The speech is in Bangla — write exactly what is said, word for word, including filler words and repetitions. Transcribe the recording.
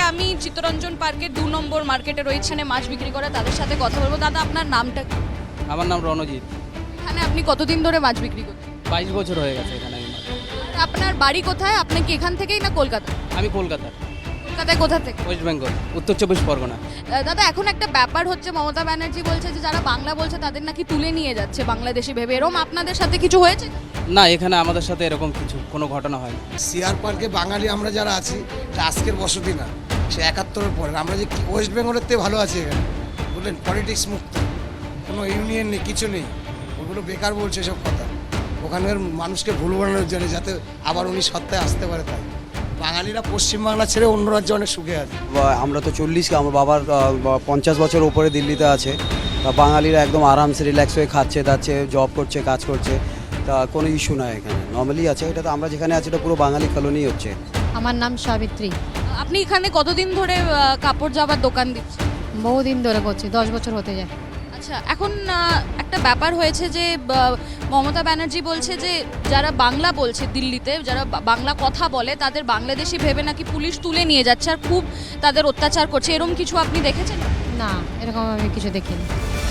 আমি চিত্তরঞ্জন পার্কের দু নম্বর মার্কেটে রয়েছে, এখানে মাছ বিক্রি করে তাদের সাথে কথা বলবো। দাদা, আপনার নামটা কি? আমার নাম রণজিৎ। এখানে আপনি কতদিন ধরে মাছ বিক্রি করছেন? বাইশ বছর হয়ে গেছে এখানে আমি মাছ- আর আপনার বাড়ি কোথায়? আপনি কি এখান থেকেই না কলকাতা? আমি কলকাতা, কলকাতায় কোথা থেকে? ওয়েস্ট বেঙ্গল, উত্তর চব্বিশ পরগনা। আহ, দাদা, এখন একটা ব্যাপার হচ্ছে, মমতা ব্যানার্জি বলছে যে যারা বাংলা বলছে তাদের নাকি তুলে নিয়ে যাচ্ছে বাংলাদেশি ভেবে। এরকম আপনাদের সাথে কিছু হয়েছে? না, এখানে আমাদের সাথে এরকম কিছু কোনো ঘটনা হয়নি। সিআর পার্কে বাঙালি আমরা যারা আছি, এটা আজকের বসতি না, সে একাত্তরের পরে। আমরা যে কি- ওয়েস্ট বেঙ্গলের থেকে ভালো আছি এখানে, বুঝলেন, পলিটিক্স মুক্ত, কোনো ইউনিয়ন নেই, কিছু নেই। ওগুলো বেকার বলছে সব কথা, ওখানের মানুষকে ভুল বানানোর জন্য, যাতে আবার উনি সত্তায় আসতে পারে। তাই বাঙালিরা পশ্চিমবাংলা ছেড়ে অন্য রাজ্যে অনেক সুখে আছে। বা- আমরা তো চল্লিশ, আমার বাবার আহ, বা- পঞ্চাশ বছর উপরে দিল্লিতে আছে। তা বাঙালিরা একদম আরামসে রিল্যাক্স হয়ে খাচ্ছে দাচ্ছে, জব করছে, কাজ করছে। তা কোনো ইস্যু নয় এখানে, নর্মালি আছে। এটা তো আমরা যেখানে আছি এটা পুরো বাঙালি কলোনি হচ্ছে। আমার নাম সাবিত্রী। আপনি এখানে কতদিন ধরে আহ, কাপড় জামার দোকান দিচ্ছেন? বহুদিন ধরে করছি, দশ বছর হতে যায়। আচ্ছা, এখন আহ, একটা ব্যাপার হয়েছে যে আহ, মমতা ব্যানার্জি বলছে যে যারা বাংলা বলছে দিল্লিতে, যারা বা- বাংলা কথা বলে তাদের বাংলাদেশি ভেবে নাকি পুলিশ তুলে নিয়ে যাচ্ছে আর খুব তাদের অত্যাচার করছে। এরকম কিছু আপনি দেখেছেন? না, এরকম আমি কিছু দেখিনি।